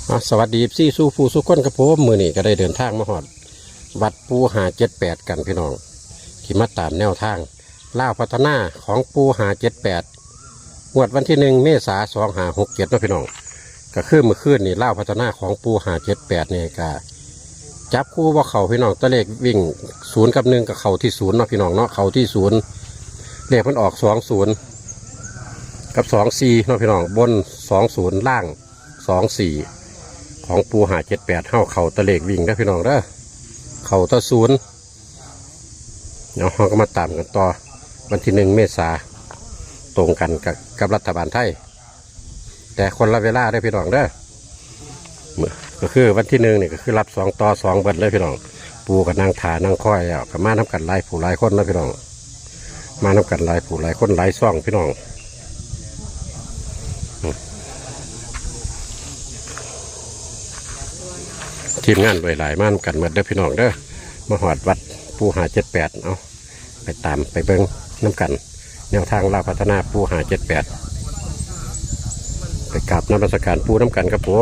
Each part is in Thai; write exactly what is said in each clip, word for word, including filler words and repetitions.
สวัสดีซี่สู้ผู้สู้คนกับผมมือนี่ก็ได้เดินทางมาหอดวัดปูหาเจ็ดแปดกันพี่น้องขี่มาตามแนวทางล่าพัฒนาของปูหาเจ็ดแปดงวดวันที่หนึ่งเมษาสองหาหกเจ็ดนะพี่น้องก็ขึ้นมือขึ้นนี่ล่าพัฒนาของปูหาเจ็ดแปดเนี่ยก็จับคู่ว่าเข่าพี่น้องตะเลขวิ่งศูนย์กับหนึ่งกับเข่าที่ศูนย์เนาะพี่น้องเนาะเข่าที่ศูนย์เลขมันออกสองศูนย์กับสองสี่เนาะพี่น้องบนสองศูนย์ล่างสองสี่ของปูหาเจ็ดแปดเท่าเข่าตะเลกวิ่งนะพี่น้องเด้อเข่าตะศูนย์เนาะเราก็มาตามกันต่อวันที่หนึ่งเมษาตรงกันกับกับรัฐบาลไทยแต่คนละเวลาได้พี่น้องเด้อก็คือวันที่หนึ่งนี่ก็คือรับสองต่อสองเบิดเลยพี่น้องปูกับนางถานางค่อยอ่ะกับมาน้ำกันหลายผู้หลายคนนะพี่น้องมาน้ำกันหลายผู้หลายคนหลายซ่องพี่น้องทีมงานไว้หลายม่านกันหมดเด้อพี่น้องเด้อมาหอดวัดปูหาเจ็ดแปดเอาไปตามไปเบิ้งน้ำกันแนวทางล่าพัฒนาปูหาเจ็ดแปดไปกราบน้ำราชการปูน้ำกันครับผม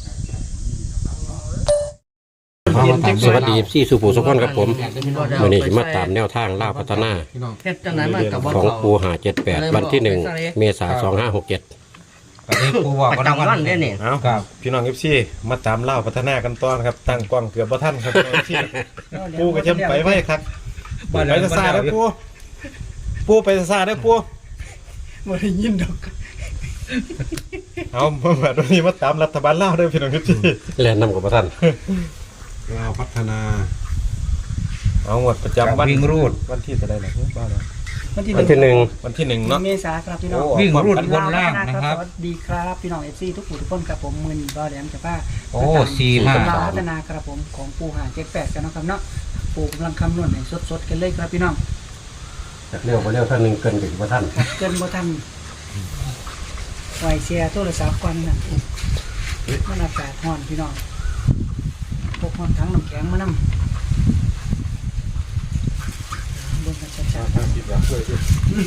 สวัสดีซี่สุภูสุขคนครับผมวันนี้มาตามแนวทางล่าพัฒนาของปูหาเจ็ดแปดวันที่หนึ่งเมษาสองห้าหกเจ็ดปูบอกก็ต้องวันเนี่ยนี่เอาครับพี่น้องเอฟซีมาตามเล่าพัฒนากันต้อนครับตั้งกล้องเกือบบ่ท่านครับปูก็จะไปไว้ครับไปซาได้ปูปูไปซาได้ปูไม่ได้ยินดอกเอาเมื่อวันนี้มาตามรัฐบาลเล่าด้วยพี่น้องเอฟซีแล่นนำกับบ่ท่านเล่าพัฒนาเอาหมดประจำวันวิ่งรูดวันที่จะได้หรอบ้านเราวันที่หนึ่งวันที่หนึ่งเนาะเมษาครับพี่น้องวิ่งรูดบนล่างนะครับสวัสดีครับพี่น้องเอฟซีทุกผู้ทุกคนครับผมมือนีก็แหลมจะป้าโอ้สี่ห้าพัฒนาครับผมของปูหาเจ็ดแปดกันนะครับเนาะปูกำลังคำนวณให้สดๆกันเลยครับพี่น้องจากเร็วไปเร็วท่านหนึ่งเกินกับบ่ท่านเกินบ่ท่านไวเชียร์โทรศัพท์ก่อนนะมันอากาศร้อนพี่น้องพกมันทั้งน้ำแข็งมานำเบิ่งกันชัดๆสียาช่วยด้วย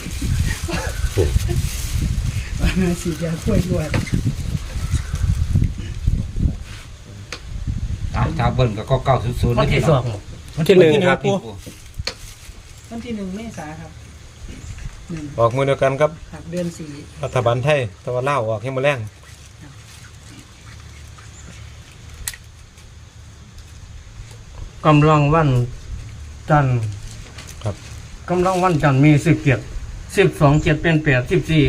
สียาช่วยด้วยตามทาเบิ้ลก็เก้าศูนย์ศูนย์วันที่สองวันที่หนึ่งครับวันที่หนึ่งเมษาครับออกมือเดียวกันครับเดือนสี่รัฐบาลไทยตะวันเล่าออกให้มาแรงกำลังวันจันทร์ครับกำลังวันจันทร์มีสิบเจ็ดสิบสองเจ็ดเป็นแปดสิบสี่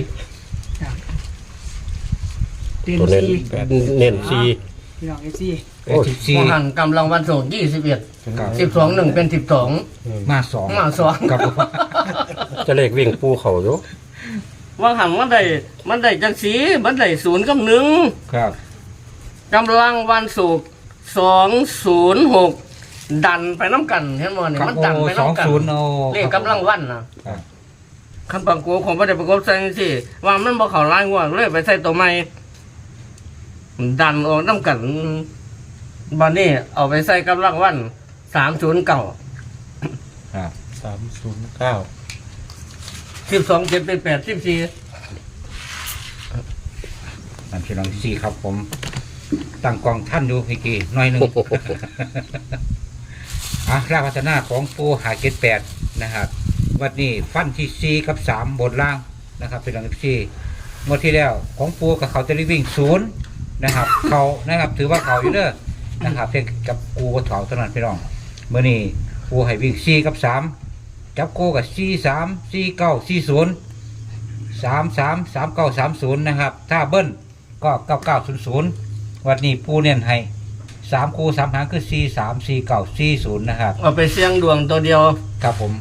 ตัวเน้นเน้นสี่พี่น้องเอซี่โอ้สิบสี่หันกำลังวันศุกร์ยี่สิบเอ็ดสิบสองหนึ่งเป็นสิบสองมาสองมาสองจะเลขวิ่งปูเขาอยู่ว่าหันมันได้มันได้จังสีมันได้ศูนย์กับหนึ่งครับกำลังวันศุกร์สองศูนย์หกดันไปน้ำกันเห็นมั้ยมันดันไปน้ำกันเลขกำลังวันนะคำปังกูของพระเดชพระคุณใส่สิว่ามันบอกเขาไล่หัวเลยไปใส่ตัวใหม่ดันออกน้ำกันบันนี้เอาไปใส่กำลังวันสามศูนย์เก้าสามศูนย์เก้าสิบสองเจ็ดเป็นแปดสิบสี่นั่นพี่น้องสี่ครับผมตั้งกองท่านดูพี่กีหน่อยหนึ่งอ่ะราพัฒนาของปูหาเจ็ดแปดนะครับวันนี้ฟันที่สี่กับสามบนล่างนะครับเป็นหลังที่งวดที่แล้วของปูกับเขาจะรีวิ่งศูนย์นะครับเขานะครับถือว่าเขาอยู่เด้อนะครับเพียงกับกูกับเขาเท่านั้นพี่น้องเมื่อนี้ปูให้วิ่งสี่กับสามจับกูกับสี่สามสี่เก้าสี่ศูนย์สามสามสามเก้าสามศูนย์นะครับถ้าเบิ้ลก็เก้าเก้าศูนย์ศูนย์วันนี้ปูเน้นให้สามคูสามหางคือสี่สามสี่เก้าสี่ศูนย์นะครับเอาไปเสี่ยงดวงตัวเดียวครับผม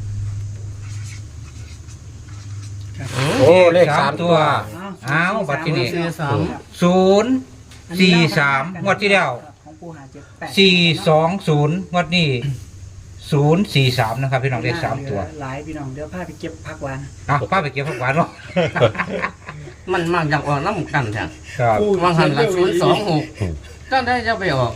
โอ้เลขสามตัวอ้าวบัตรที่นี่ศูนย์สี่สามงวดที่แล้วสี่สองศูนย์งวดนี้ศูนย์สี่สามนะครับพี่น้องเลขสามตัวหลายพี่น้องเดี๋ยวพาไปเก็บผักหวานอ่ะพาไปเก็บผักหวานเนาะมันมากจากออกน้ำกันแท้วางหันละศูนย์สองหกก็ได้จะไปออก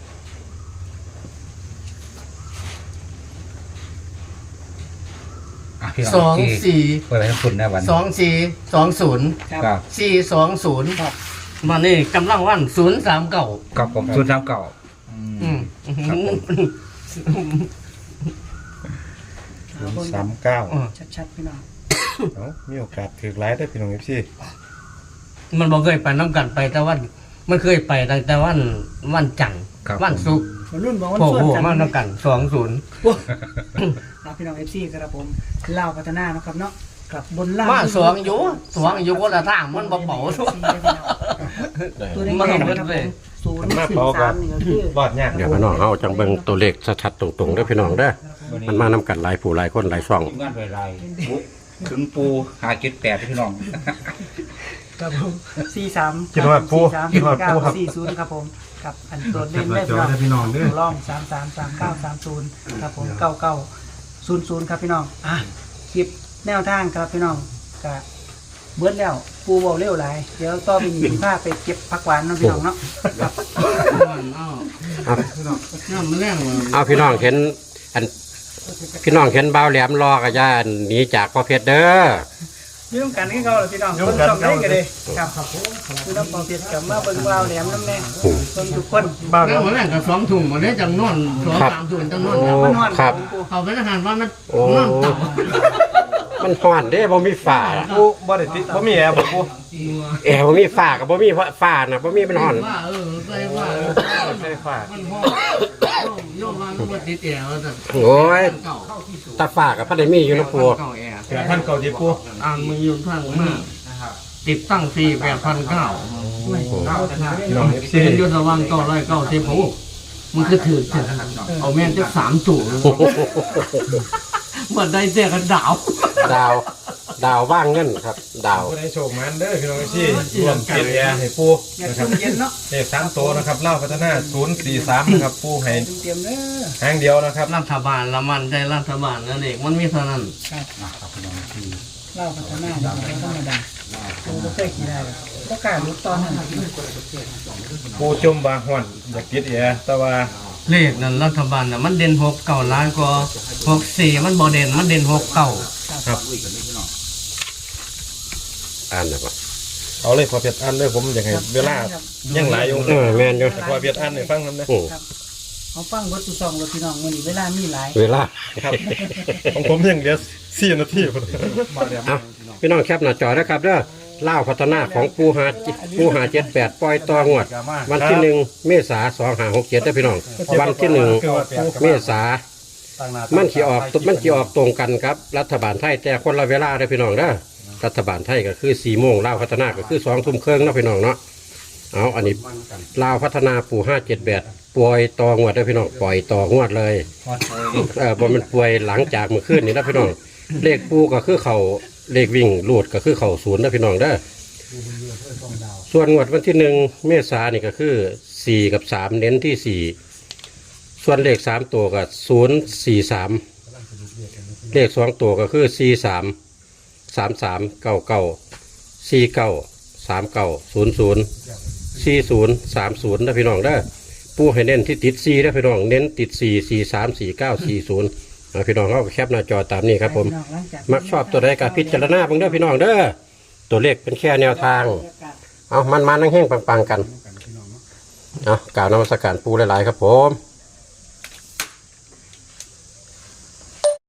สองสี่เปิดให้คุณนะวันสองสี่สองศูนย์สี่สองศูนย์วันนี้กำลังวันศูนย์สามเก้ากับผมศูนย์สามเก้าอืมครับผมเอาเบิ่งสามเก้าชัดๆพี่น้องเอ้ามีโอกาสถือไลฟ์ได้พี่น้องเอฟซีมันบอกเคยไปน้ำกันไปแต่วัน มันเคยไปตั้งแต่วันวันจันทร์ครับวันศุกร์วัยรุ่นบอกว่าโอ้ส่วนโหกันมาน้ำกันสองศูนย์ครับพี่น้องเอฟซีครับผมเล่าวพัฒนานะครับเนาะกับบนล่างมาสองอยู่สองอยู่คนละทางมันบ่เบาทุกตัวแดงๆนะครับผมศูนย์มาสี่เป่าก็สามนี่ก็คือรอดยากเดี๋ยวพี่น้องเอาจังเบิ่งตัวเลขชัดๆตรงๆเด้อพี่น้องเด้อมันมานํกันหลายผู้หลายคนหลายช่องทีมงานไรไรถึงปูหาเจ็ดแปดพี่น้องครับผมสี่สามคิดว่าปูสี่สามคิดว่าเก้าปูครับสี่ศูนย์ครับผมกับอันตัวเด่นจัได้บหน้าจอได้พี่น้องเด้อตัวร่องสามสามสามเก้าสามศูนย์ครับผมเก้าเก้าศูนย์ศูนย์ครับพี่น้องอ่ะคลิปแนวทางครับพี่น้องกับเบิ้ลแล้วปูเบาเร็วหลายเดี๋ยวต่อไปหนีผ้าไปเก็บผักหวานเนาะพี่น้องเนาะครับอ้าวเอาน้ำมันแรงว่ะเอาพี่น้องเห็นอันพี่น้องเห็นบ่าวแหลมรอกับย่าหนีจากพ่อเพชรเด้อยืมกันให้เขาเลยพี่น้องยืคมนกันชอบได้กันเลยครับคือน้ำปอเปียกกับมาเบิ่งวาวแหลมน้ำแน่คนทุกคนบ้านน้ำมันแรงกับสองถุงวันนี้จังนอนสองสามถุงจังนอนโอ้มันนอนครับปูเขาเป็นอาหารว่ามันโอ้นอนเต่ามันฮ้อนเด้บ่มีฝ้าปูบ่ได้ติดบ่มีแอร์บ่ปูแอร์บ่มีฝ้าก็บ่มีฝ้าน่ะบ่มีมันฮ้อนว่าเออใส่ว่าใช่ฟ้ามันห้องโยมว่ามันติดแอร์ว่าแต่โอ้ยเก่าตาฝ้าก็พอได้มีอยู่นะปู่เก่าแอร์แปดพันเก้าสิบปูอ่านมืออยู่ทางมากติดตั้งสี่แปดพันเก้าพี่น้องเอฟซีเป็นยุทธวังเก้าร้อยเก้าสิบหกมันก็ถือถึงเอาแม่นจะสามจุ่เหมือนได้เจกันดาวดาว ดาวว่างเงินครับ ดาวผู้ใดโชคมันเด้อพี่น้องเอฟซีรวมเกียรติแอร์ให้ปูอยากนะคชรับมเย็นเนาะเลขสามตัวนะครับเล่าพัฒนาศูนย์สี่สามนะครับปูให้เตรียมเด้อหางเดียวนะครับรัฐบาลละมันใจรัฐบาลนั่นเองมันมีเท่านั้นครับเล่าพัฒนาเราธรรมดาปูก็เคยขี่ได้เลยก็กล้าลุกตอนนั้นปูจมบางห่อนอยากติดแอร์แต่ว่าเลขนั้นรัฐบาลน่ะมันเด่นหกเก่าล้านกว่าหกสี่มันบ่เด่นมันเด่นหกเก่าครับอ่านนะบ่เอาเลยพอเพียรอันเลยผมอยากให้เวลายังหลายอยู่เออแม่นอยู่พอเพียรอันให้ฟังนำนะอือเขาฟังวัตถุซองรถพี่น้องวันนี้เวลามีหลายเวลาครับของผมยังเหลือสี่นาทีพุ่นเอาพี่น้องแคปหน้าจอนะครับเด้อล่าวพัฒนาของปูหาปูหาเจ็ดแปดปล่อยต่องวด วันที่หนึ่งเมษาสองหาหกเจ็ดได้อพี่น้อง วันที่หนึ่งเมษามันขี่ออกมันขี่ออกตรงกันครับ รัฐบาลไทยแต่คนละเวลาได้อพี่น้องเด้อรัฐบาลไทยก็คือสี่โมงล่าวพัฒนาก็คือสองทุ่มครึ่งเนาะพี่น้องเนาะเอาอันนี้ลาวพัฒนาปูห้าเจ็ดแปดปล่อยต่องวดได้อพี่น้องปล่อยต่องวดเลย เออบ่มันป่วยหลังจากเมื่อคืนนี่นะพี่น้อง เลขปูก็คือเขาเลขวิ่งลูดก็คือเขาศูนย์นะพี่น้องเด้อส่วนงวดวันที่หนึ่งเมษายนนี่ก็คือสี่กับสามเน้นที่สี่ส่วนเลขสามตัวก็ศูนย์สี่สามเลขสองตัวก็คือสี่สามสามสามเก้าเก้าสี่เก้าสามเก้าศูนย์ศูนย์สี่ศูนย์สามศูนย์นะพี่น้องเด้อปูให้เน้นที่ติดสี่นะพี่น้องเน้นติดสี่สี่สามสี่เก้าสี่ศูนย์พี่น้องเขาแคปหน้าจอตามนี้ครับผม มักชอบตัวใดกับพิจารณาเบิ่งเด้อพี่น้องเด้อตัวเลขเป็นแค่แนวทาง เอามันมานั่งแห้งปังๆกันเอากล่าวนมัสการปูหลายๆครับผม